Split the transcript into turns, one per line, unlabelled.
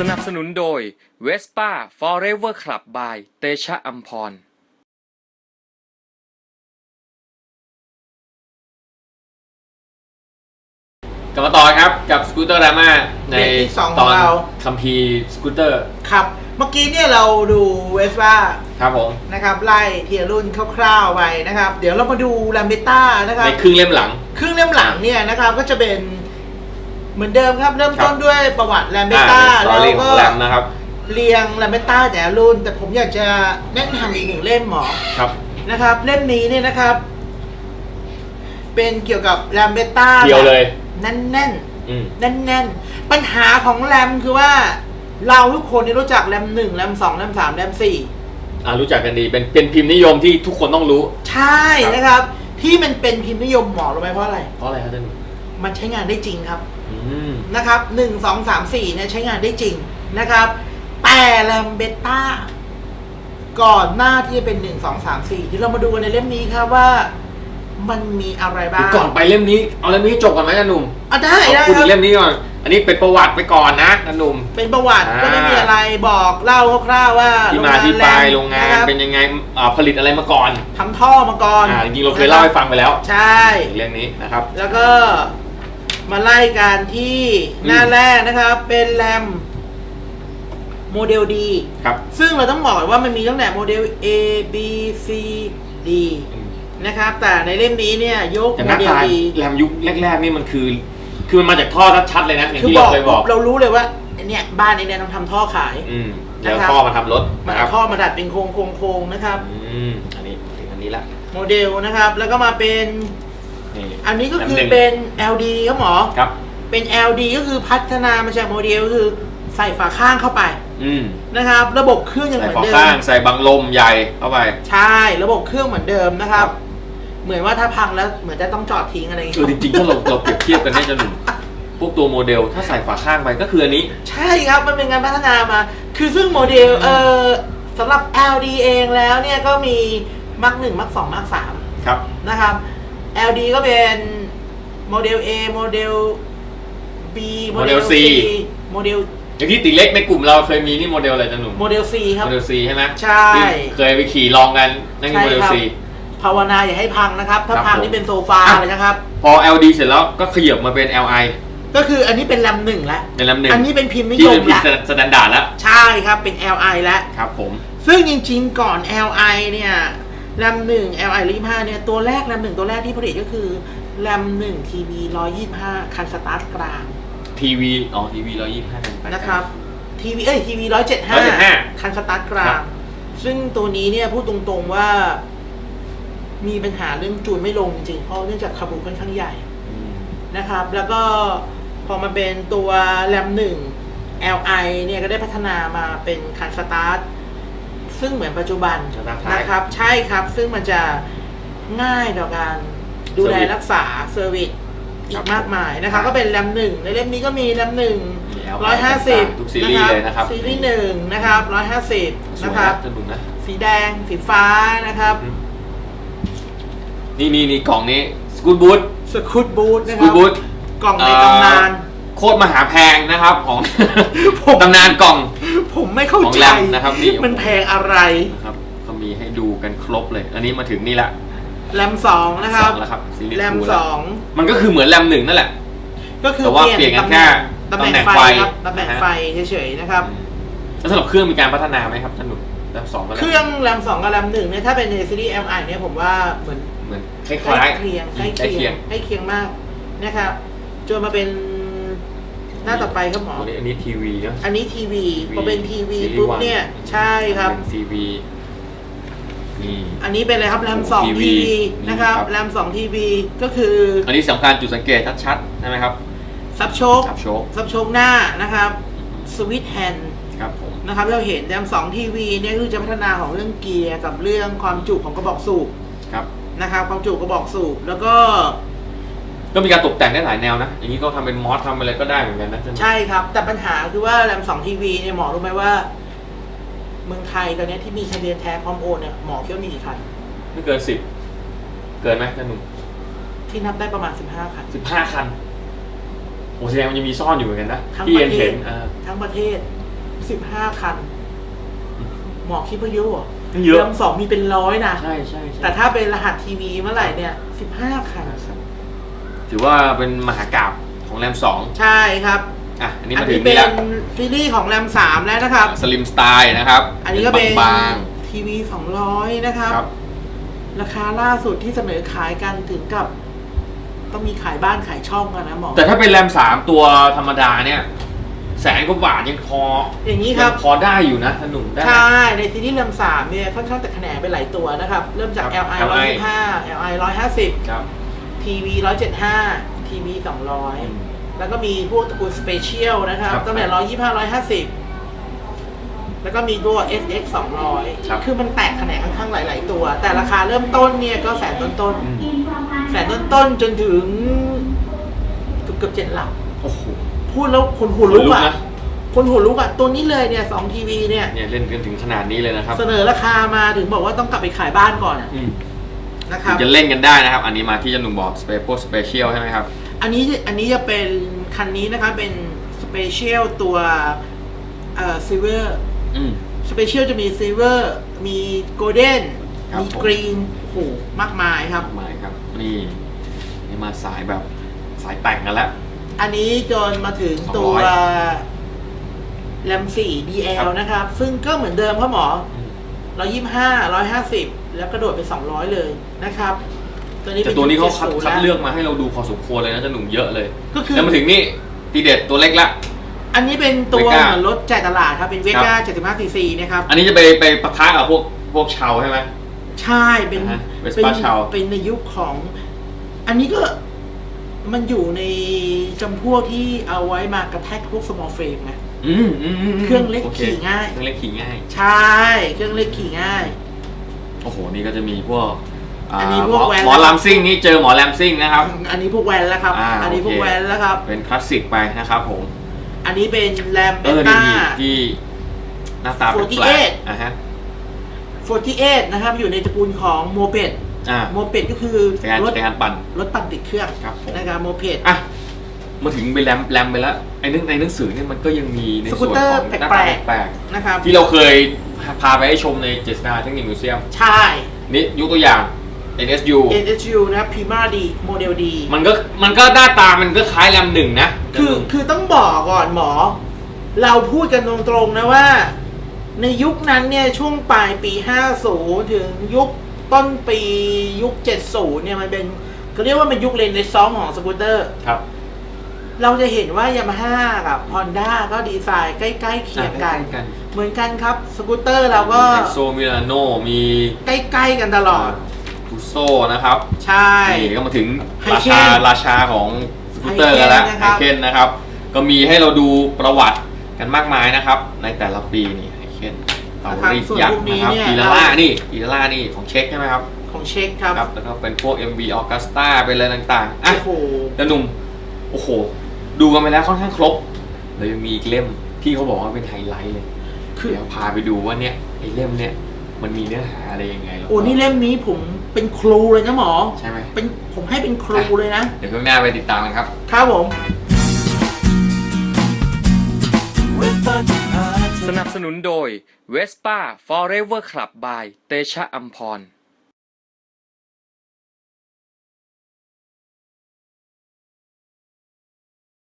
นับสนุนโดย Vespa Forever Club by เตชะอัมพร
กลับมาต่อครับกับสกูตเตอร์ดราม่าในตอนคัมภีร์สกูตเตอร์
ครับเมื่อกี้เนี่ยเราดูเวสป้า
ครับผม
นะครับไล่เทียรุ่นคร่าวๆไปนะครับเดี๋ยวเรามาดูแลมเบต้านะครับ
ในครึ่งเล่มหลัง
เนี่ยนะครับก็จะเป็นเหมือนเดิมครับเริ่มต้นด้วยประวัติแลมเบต้า
แล้วก็
นะครับเรียงแลมเบต้าแต่รุ่นแต่ผมอยากจะแนะนำอีกหนึ่งเล่มหมอ
ครับ
นะครับเล่มนี้เนี่ยนะครับเป็นเกี่ยวกับแลมเบต้า
เดียวเลย
แน่นปัญหาของแรมคือว่าเราทุกคนรู้จักแรม1แรม2แรม3แรม4
รู้จักกันดีเป็นพิมพ์นิยมที่ทุกคนต้องรู้
ใช่นะครับที่มันเป็นพิมพ์นิยมหมอรู้ไหมเพราะอะไร
ครับท่าน
มันใช้งานได้จริงครับนะครับ1 2 3 4เนี่ยใช้งานได้จริงนะครับแต่แรมเบต้าก่อนหน้าที่จะเป็น1 2 3 4ที่เรามาดูกันในเล่มนี้ครับว่ามันมีอะไรบ้าง
ก่อนไปเล่มนี้เอาเล่มนี้จบก่อนไหมท่านหนุ่ม
ได้
คุณเล่มนี้ก่อนอันนี้เป็นประวัติไปก่อนนะท่านหนุ่ม
เป็นประวัติก็ไม่มีอะไรบอกเล่าคร่าวๆว่า
ที่มาที่ไปโรงงานเป็นยังไงผลิตอะไรมาก่อน
ทำท่อมาก่อน
จริงๆเราเคยเล่าให้ฟังไปแล้ว
ใช่
เรื่องนี้นะครับ
แล้วก็มาไล่กันที่หน้าแรกนะครับเป็นแรมโมเดล D
ครับ
ซึ่งเราต้องบอกว่ามันมีตั้งแต่โมเดล A B C Dนะครับแต่ในเล่มนี้เนี่ยยก
โมเดล D แรมยุคแรกๆนี่มันคือมันมาจากท่อชัดๆเลยนะอย่างที่เราเคยบอก
เรารู้เลยว่าเนี่ยบ้านเนี่ยต้องทำท่อขาย
แล้วท่อมาทำรถ
มาท่อมาดัดเป็นโค้งนะครับ
อันนี้ละ
โมเดลนะครับแล้วก็มาเป็นอันนี้ก็คือเป็น LD ครับหมอ
ครับ
เป็น LD ก็คือพัฒนามาจากโมเดลคือใส่ฝาข้างเข้าไปนะครับระบบเครื่องยังเหมือนเดิม
ใส่บังลมใหญ่เข้าไป
ใช่ระบบเครื่องเหมือนเดิมนะครับเหมือนว่าถ้าพังแล้วเหมือนจะต้องจอดทิ้งอะไรอย่างเงี้
ยจริงๆถ้าเราเปรียบเทียบกันได้จะหนุ่มพวกตัวโมเดลถ้าใส่ฝาข้างไปก็คืออันนี้
ใช่ครับมันเป็นการพัฒนามาคือซึ่งโมเดลสำหรับ LD เองแล้วเนี่ยก็มีมัก1มัก2มัก3
ครับ
นะครับ LD ก็เป็นโมเดล A โมเดล B
โมเดล C
โมเดล
อย่างที่ติเล็กในกลุ่มเราเคยมีนี่โมเดลอะไรจังหนุ่ม
โมเดล C ครับ
โมเดล C ใช่ไหม
ใช่
เคยไปขี่ลองกันนั่นคือโมเดล C
ภาวนาอย่าให้พังนะครับถ้าพังนี่เป็นโซฟาเลยนะครับ
พอ LD เสร็จแล้วก็ขยับมาเป็น LI
ก็คืออันนี้เป็นแรม1แล้ว
เป็นแรม1
อันนี้เป็นพิมพ์นิยม
แล้วที่เป็นพิมพ์สแตนดาร์ดแล้ว
ใช่ครับเป็น LI แล้ว
ครับผม
ซึ่งจริงๆก่อน LI เนี่ยแรม1 LI 125เนี่ยตัวแรกแรม1ตัวแรกที่ผลิตก็คือแรม1 TV 125คันสตาร์ทกลาง
ทีวี125
นะครับทีวี175คันสตาร์ทกลางซึ่งตัวนี้เนี่ยพูดตรงๆว่ามีปัญหาเรื่องจูนไม่ลงจริงเพราะเนื่องจากคาบูค่อนข้างใหญ่นะครับแล้วก็พอมาเป็นตัวแรม1 LI เนี่ยก็ได้พัฒนามาเป็นคันสตาร์ทซึ่งเหมือนปัจจุบันนะครับใช่ครับซึ่งมันจะง่ายต่อการดูแลรักษาเซอร์วิสอีกมากมายนะครับก็เป็นแรม1ในเล่มนี้ก็มีแรม1 150
ทุกซีรีส์เลยนะครับ
ซีรีส์1นะครับ150นะครับสีแดงสีฟ้านะครับ
นี่กล่องนี้สกู๊ตบูทนะครับ
กล่องในตำนาน
โคตรมหาแพงนะครับของตำนานกล่อง
ผมไม่เข้าใจ
นะครับนี่
มันแพงอะไร
ครับเขามีให้ดูกันครบเลยอันนี้มาถึงนี่ละ
แรม2นะครับแรม2
มันก็คือเหมือนแรม1นั่นแหละ
ก็คือ
เปลี่ยนกันแค่
ตำแหน่งไฟครับตำแหน่งไฟเฉยๆนะครับ
แล้วสำหรับเครื่องมีการพัฒนาไหมครับท่านหนุ่มแรม2
เครื่องแรม2กับแรม1เนี่ยถ้าเป็นในซีรีส์ MI เนี่ยผมว่าเหมือน
คล้าย
เคียงมากนะครับจนมาเป็นหน้าต่อไปครับหมอ
อันนี้ทีวีนะ
อันนี้ทีวีพอเป็นทีวีปุ๊บเนี่ยใช่ครับ
ทีวี
อันนี้เป็นอะไรครับแรม2ทีวีนะครับแรม2ทีวีก็คือ
อันนี้สำคัญจุดสังเกตชัดๆใช่ไหมครับ
ซับโชคหน้านะครับสวิตช์แฮนด์
ครับผม
นะครับเราเห็นแรม2ทีวีเนี่ยคือจะพัฒนาของเรื่องเกียร์กับเรื่องความจุของกระบอกสูบ
ครับ
นะครับความจุกระบอกสูบแล้วก็
มีการตกแต่งได้หลายแนวนะอย่างนี้ก็ทำเป็นมอสทำอะไรก็ได้เหมือนกันนะ
ใช่ครับแต่ปัญหาคือว่าแรม2ทีวีเนี่ยหมอรู้ไหมว่าเมืองไทยตอนนี้ที่มีทะเบียนแท้พร้อมโอนเนี่ยหมอคิดว่ามีกี่คัน
ไม่เกิน10เกินไหมท่านหนุ่ม
ที่นับได้ประมาณ15คัน
โอ้แสดงมันยังมีซ่อนอยู่เหมือนกันนะที่เห็น
ทั้งประเทศ 15 คัน หมอคิดว่าเยอะเหรอ
เยอะ
แรม2มีเป็น100นะ
ใช่ใช่
แต่ถ้าเป็นรหัสทีวีเมื่อไหร่เนี่ย15 คัน
ถือว่าเป็นมหากาพย์ของแรม2
ใช่ครับ
อ่ะอันนี้
อั
มาน ถึ
นี้
ง
เป็
นี่
น
แล้ว
ซีรีส์ของแรม3แล้วนะครับ
สลิมสไตล์นะครับ
อันนี้ก็เป็น
บาง
ทีวี200นะครับ
ๆครับ
ราคาล่าสุดที่เสนอขายกันถึงกับ ต้องมีขายบ้านขายช่องกันนะหมอ
แต่ถ้าเป็นแรม3ตัวธรรมดาเนี่ยแสนกว่าบาทยังพอ
อย่างนี้ครับ
พอได้อยู่นะหนุ่มได้
ใช่ ในซีรีส์แรม3เนี่ยค่อนข้างแต่แขนงไปหลายตัวนะครับ เริ่มจาก
ครับ
LI 125 LI
ครับ
150 TV 175 TV 200 แล้วก็มีพวกตระกูลสเปเชียลนะครับ
ครับ
ตั้งแต่125 150 แล้วก็มีตัว SX
ครับ
200 คือมันแตกแขนงค่อนข้างหลาย ๆ ตัว แต่ราคาเริ่มต้นเนี่ยก็แสนต้น
อืม
ๆแสนต้นๆจนถึงเกือบ7 หลัก
โอ้โห
พูดแล้วคนหัวลุกอ่ะ
นะ
คนหัวลุกอ่ะ ตัวนี้เลยเนี่ย2 ทีวีเนี่ย
เนี่ยเล่นกันถึงขนาดนี้เลยนะครับ
เสนอราคามาถึงบอกว่าต้องกลับไปขายบ้านก่อนอะ
อืม
นะครับ
จะเล่นกันได้นะครับ อันนี้มาที่จะหนุ่มบอกสเปเชียลใช่ไหมครับ
อันนี้จะเป็นคันนี้นะครับเป็นสเปเชียลตัวซิลเวอร์
อืม
สเปเชียลจะมีซิลเวอร์มีโกลเด้น
ครับ
มี
ผม
กรีนโอ้โหมากมายครับ
หมายครับ นี่มาสายแบบสายแต่งกันแล้ว
อันนี้จนมาถึงตัว แรม4
ครั
DL
บ
นะครับ ซึ่งก็เหมือนเดิมครับหมอ 125 150 แล้วกระโดดไป200 เลยนะครับ ตัวนี้
แต่
เป็น
ตัวนี้เขา
70
คัด
แล้ว
เลือกมาให้เราดูพอสมควรเลยนะจะหนุ่มเยอะเลย
ก็คือ
แล้วมาถึงนี่ทีเด็ดตัวเล็กละ
อันนี้เป็นตัว
Vega
เหมือนรถจ่ายตลาดครับ เป็นเวก้า 75cc นะครับ
อันนี้จะไปปะทะกับพวกชาวใช่ไหม
ใช่ เป็น
อ่าฮะ
เป็น
Vespa ชาว
เป็นในยุคของ อันนี้ก็มันอยู่ในจำพวกที่เอาไว้มากระแทกพวก small frame นะ เครื่องเล็ก
โ
ขี่ง่าย
เครื่องเล็กขี่ง่าย
ใช่ เครื่องเล็กขี่ง่าย
โอ้โห นี่ก็จะมีพวก
อันนี้พวกแวน
หมอลำซิ่งนี่เจอหมอแรมซิ่งนะครับ
อันนี้พวกแวนแล้วครับ อันนี้
โอเค
พวกแวนแล้วครับ
เป็นคลาสสิกไปนะครับผม
อันนี้เป็นแรมเบ
นี่
ต้า
ที่หน้าตาแปลก
48
ๆอ่ะฮะ
48 นะครับ อยู่ในตระกูลของโมเปด โมเปดก็คือ
จักรยานปั่น
รถปั่นติดเครื่อง
ครับผม
นะครับโมเปด
อ่ะมาถึงไปแรมไปแล้วไอ้ในหนังสือเนี่ยมันก็ยังมีใน
สกู
ส่วน
ตเตอร์
ของหน้าตา
แปลก
แปลก
นะครับ
ๆที่เราเคยพาไปให้ชมในเจสนาเทคนิคมิวเซียม
ใช่
นี่ยกตัวอย่าง NSU
NSU นะครับ Prima D โมเดล D
มันก็หน้าตามันก็คล้ายแรมหนึ่งนะ
คือต้องบอกก่อนหมอ เราพูดกันตรงๆนะว่า ในยุคนั้นเนี่ยช่วงปลายปี 50 ถึงยุคต้นปียุค 70 เนี่ยมันเป็นเขาเรียกว่าเป็นยุคเรนเนซองส์ของสกูตเตอร์
ครับ
เราจะเห็นว่ายามาฮ่ากับ Honda ก็ดีไซน์ใกล้ๆเคียงกัน
ใกล้ๆกัน
เหมือนกันครับสกูตเตอร์เราก็
ไฮโซมิลานโนมี
ใกล้ๆกันตลอด
ทูโซนะครับ
ใช่
นี่ก็มาถึง
ไฮ
รา
เคน
ราชาของสกูตเตอร์กันแล้ว
ไฮ
ไฮ
เคนนะครับ
เคนนะครับ ก็มีให้เราดูประวัติกันมากมายนะครับ ในแต่ละปีนี่ไฮเคนเตารีดยักษ์นะครับอีลาล่านี่ของเช็คใช่ไหมครับ
ของเช็คครับ
ครับแล้วก็เป็นพวก MV Augusta เป็นอะไรต่างๆอ่ะ
โอ้โห
แล้วหนุ่มโอ้โห ดูกันไปแล้วค่อนข้างครบแล้วยังมีอีกเล่มที่เขาบอกว่าเป็นไฮไลท์เลย
คือ
เดี๋ยวพาไปดูว่าเนี่ยไอ้เล่มเนี่ยมันมีเนื้อหาอะไรยังไงแล้วก็
โอ้นี่เล่มนี้ผมเป็นครูเลยนะหมอ
ใช่ไหม
ผมให้เป็นครูเลยนะ
เดี๋ยวข้างหน้าไปติดตามกันครับ
ครับผม
สนับสนุนโดย Vespa Forever Club by เตชะอัมพร